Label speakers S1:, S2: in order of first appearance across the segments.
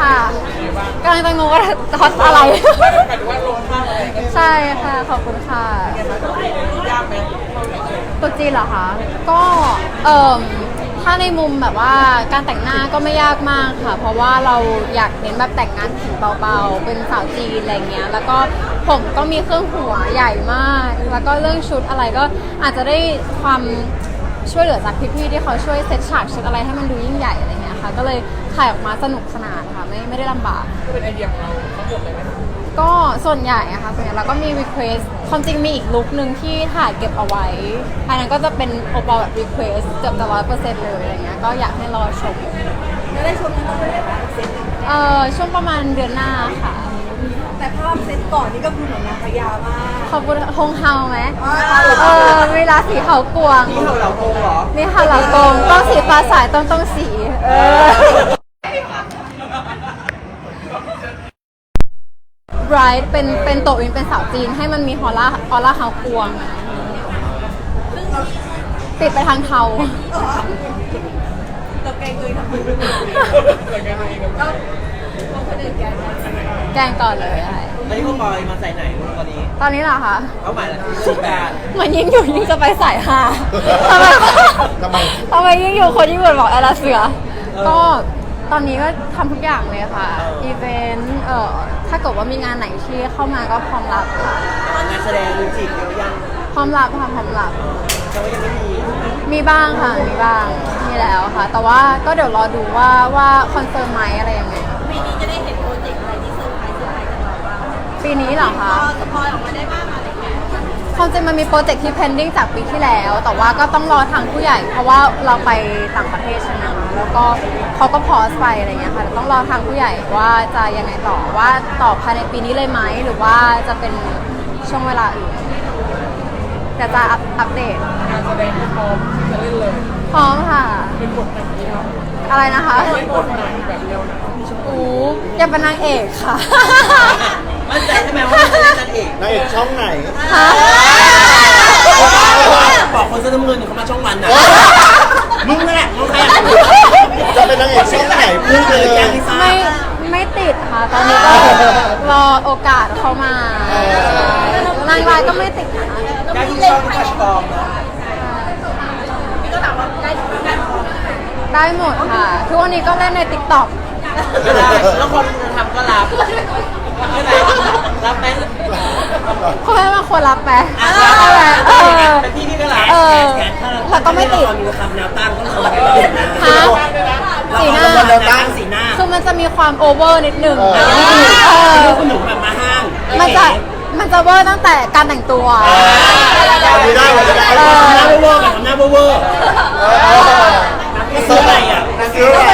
S1: ค่ะกำลังจะงงว่าฮอตอะไร
S2: หมายถึงว่าลงภาพอะไรกัน
S1: ใช่ค่ะขอบคุณค่ะ
S2: ยากไหม
S1: ตัวจีนเหรอคะก็ถ้าในมุมแบบว่าการแต่งหน้าก็ไม่ยากมากค่ะ เพราะว่าเราอยากเน้นแบบแต่งงานผิวเบาๆเป็นสาวจีนอะไรเงี้ยแล้วก็ผมก็มีเครื่องหัวใหญ่มาก แล้วก็เรื่องชุดอะไรก็อาจจะได้ความช่วยเหลือจากพี่ๆที่เขาช่วยเซตฉากชุดอะไรให้มันดูยิ่งใหญ่อะไรเงี้ยค่ะก็เลยถ่ายออกมาสนุกสนานค่ะไม่ได้ลำบาก
S2: ก็เป็นไอเดียของเราทั้งหมดเลยไหม
S1: ก็ส่วนใหญ่อะค่ะส่วนใหญ่เราก็มี request ความจริงมีอีกลุคนึงที่ถ่ายเก็บเอาไว้อันนั้นก็จะเป็นโอปอลแบบ request เกือบจะ100%เลยอะไรเงี้ยก็อยากให้รอชม
S3: จะได้ชมกันตอนไหนบ้างเซต
S1: ช่วงประมาณเดือนหน้าค่ะ
S3: แต่ภาพเซตก่อนนี่ก็คือเหมือนนางพญามาก
S1: ขอบคุณฮงเฮาไหมเวลาสีเขากวง
S2: นี่เราโกงเหรอ
S1: นี่ค่ะเหล่ากงต้องสีฟ้าสายต้องสีBright เป็นโตอินเป็นสาวจีนให้มันมีออร่าเฮากวงติดไปทางเทา
S3: เราแกงเลยทำไม
S2: แต่งงานตัวเองกัน
S3: ก็คนอื่นแกง
S1: แกงก่อนเลยอะไร
S2: ตอนนี้คุณบอยมาใส่ไหนตอนนี้
S1: ตอนนี้เหรอคะ
S2: เขาหมายอะไรสุดการ
S1: เหมือนยิ่งอยู่ยิ่งจะไปสายฮาทำไมยิ่งอยู่คนยิ่งบอกแอลาเสือ ก็ตอนนี้ก็ทำทุกอย่างเลยค่ะ อีเวนต์ถ้าเกิดว่ามีงานไหนที่เข้ามาก็พร้อมรับค่ะ
S2: งานแสดงมือจีบเยอะยัง
S1: พร้อมรับค่ะพร้อมรับ
S2: แต่ว่ายังไม่มี
S1: มีบ้างค่ะ มีบ้าง มีแล้วค่ะ แต่ว่าก็เดี๋ยวรอดูว่าคอนเฟิร์มไหมอะไรยังไง
S3: ปีนี้จะได้เห็นโปรเจกต์อะไรที่เซอร์ไพรส์จากเราบ้าง
S1: ปีนี้เหรอคะ
S3: พอสปอยออกมาได้บ้างอะไรเงี้ย
S1: ความจริงมันมีโปรเจกต์ที่ pending จากปีที่แล้ว แต่ว่าก็ต้องรอทางผู้ใหญ่ เพราะว่าเราไปต่างประเทศใช่ไหมคะแล้วก็เขาก็พอสไปอะไรเงี้ยค่ะแต่ต้องรอทางผู้ใหญ่ว่าจะยังไงต่อว่าต่อภายในปีนี้เลยไหมหรือว่าจะเป็นช่วงเวลาอื่นแต่จะอัปเดต
S2: งานแสดงที่พร้อมจะเล่นเลย
S1: พร้อมค่ะ
S2: เป็นบทไหนที่เรา
S1: อะไรนะคะ
S2: เป็นบทไหนแบบเดียวนะ
S1: อยากเป็นนางเอกค่ะ
S2: มั่นใจใช่ไหมว่าจะเล่นนางเอก
S4: นางเอกช่องไหน
S1: ฮะ
S2: บอกคนเสื้อน้ำเงินเขามาช่องวันนะมึงนั่นแหละมึงใคร
S4: จะเป็นนางเอกช่องไหนพูดเลย
S1: ไม่ติดค่ะ ตอนนี้ก็รอโอกาสเข้ามานางร้ายก็ไม่ติดนะคะ
S2: ได้ที่ชอบที่ทัชฟอร์มนะ
S3: พี่ก็ถามว่าได้หมด
S1: ได้หมดค่ะ ทุกวันนี้ก็เล่นใน TikTok
S2: ก็ได้แล้วคนทำก็รับใช่ไหมรับไหม
S1: เขาให้มาควรรับไหม
S2: เป็นพี่พี่ก็รับ
S1: แล้วก็ไม่ติด
S2: มีคำแนวตั้งต้องคอย
S1: ฮะสีหน้า
S2: แนวตั้งสีหน้า
S1: คือมันจะมีความโอเวอร์นิดหนึ่ง
S2: คุณหนุ่มแบบมาห้าง
S1: มันจะเวอร์ตั้งแต่การแต่งตัว
S4: ไม่ได้ไม่ได้
S1: เออ
S2: หน้าเวอร์กับหน้าเวอร์ซื้ออะไรอ่ะ
S4: ซื้ออะไร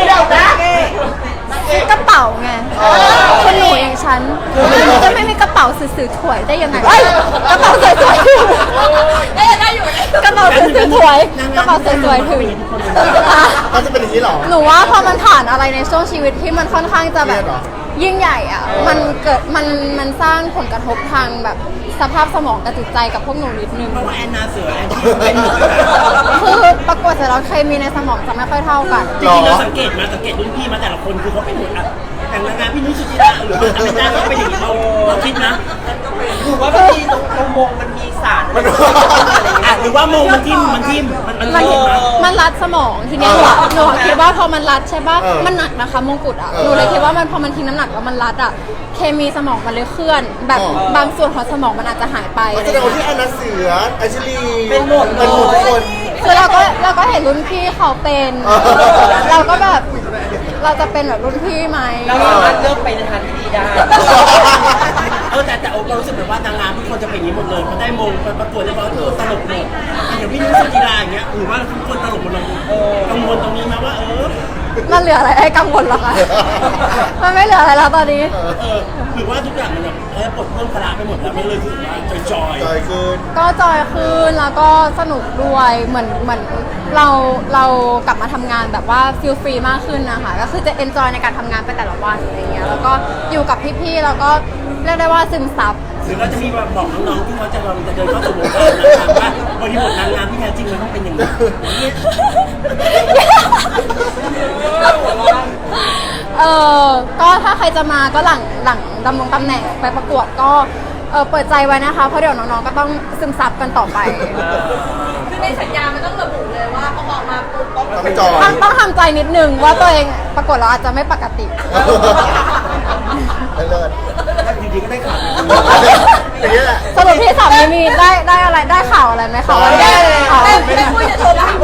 S1: กระเป๋าไงคนหนูอย่างฉันจะไม่มีกระเป๋าสื่อๆถวยได้ยังไงเอ้ยกระเป๋าสวยๆถือได้อยู่กระเป๋าสื่อๆถวยกระเป๋าสวยๆถือ
S4: เขาจะเป็นอย่างนี้เหรอ
S1: หนูว่าพอมันผ่านอะไรในช่วงชีวิตที่มันค่อนข้างจะแบบ
S4: เครียดเหรอ
S1: ยิ่งใหญ่อ่ะมันเกิดมันสร้างผลกระทบทางแบบสภาพสมองกับจิตใจกับพวกหนูนิดนึง
S2: เพราะว่าแอนนาเสือแอนที่เป็นหนู
S1: คือประกวดเสร็จแล้วเคมีในสมองจะไม่ค่อยเท่ากัน
S2: จริงๆเราสังเกตรุ่นพี่มาแต่ละคนคือเขาเป็นหมดอ่ะแต่งงานพี่นุ้ยสุจิราหรือว่าอาจารย์ก็เป็นอย่างนี้เราคิดนะหรือว่าบางทีตรงมงมันมีสารหรือว่ามงมันทิ่มมันเห็นไหม
S1: มันรัดสมองทีเนี้ยหนูคิดว่าพอมันรัดใช่ป่ะมันหนักนะคะมงกุฎอ่ะหนูเลยคิดว่ามันพอมันทิ้งน้ำหนักแล้วมันรัดอ่ะเคมีสมองมันเลยเคลื่อน แบบบางส่วนของสมองมันอาจจะหายไป
S4: มันแสดงว่าที่แอนนาเสือไอชิลี
S2: เป็นหมด
S4: เป็นหมดทุกคน
S1: คือเราก็เห็นรุ่นพี่เขาเป็น เราก็แบบเราจะเป็นแบบรุ่นพี่ไหม
S2: เราสามารถเลือกไปในทางที่ดีได้แต่โอ๊คเรารู้สึกแบบว่านางงามทุกคนจะเป็นอย่างนี้หมดเลยพอได้มงประกวดแล้วก็ตลกหมดอย่างพี่นุ้ยสุจิราอย่างเงี้ยหรือว่าทุกคนตลกหมดเลยกังวลตรงนี้นะว่า
S1: มันเหลืออะไรให้กังวลเหรอคะ มันไม่เหลืออะไรแล้วตอนนี้
S2: หรือว่าทุกอย่างมันแบบปลดเพิ่มพละไปหมดแล้วไม่เลยรู้สึกว่าจอย
S4: จอยขึ้น
S1: ก็จอยขึ้นแล้วก็สนุกด้วยเหมือนเรากลับมาทำงานแบบว่าฟิลฟรีมากขึ้นนะคะก็คือจะเอนจอยในการทำงานไปแต่ละวันอะไรเงี้ยแล้วก็อยู่กับพี่ๆแล้วก็เรียกได้ว่าซึมซับ
S2: หรือเราจะมีแบบบอกน้องๆที่เขาจะเดินเข้าสู่วงการนางงามว่าบริบทนางงามที่แท้จริงมันต้องเป็นอย่างนี้
S1: ก็ถ้าใครจะมาก็หลังดำรงตำแหน่งไปประกวดก็เปิดใจไว้นะคะเพราะเดี๋ยวน้องๆก็ต้องซึมซับกันต่อไป
S3: คือในสัญญามันต้องระบุเลยว่าพอออกมาปุ๊บต้อง
S4: ต้องจอย
S1: ต้องทำใจนิดนึงว่าตัวเองประกวดเราอาจจะไม่ปกติ
S4: เลิศ
S2: จริงๆก็ได้ข่าว
S4: อย่างนี้แหละ
S1: สรุปพี่สามีมีได้อะไรได้ข่าวอะไรไหมคะว่าได้ข่าว
S3: ไม่คุยจะโทรมา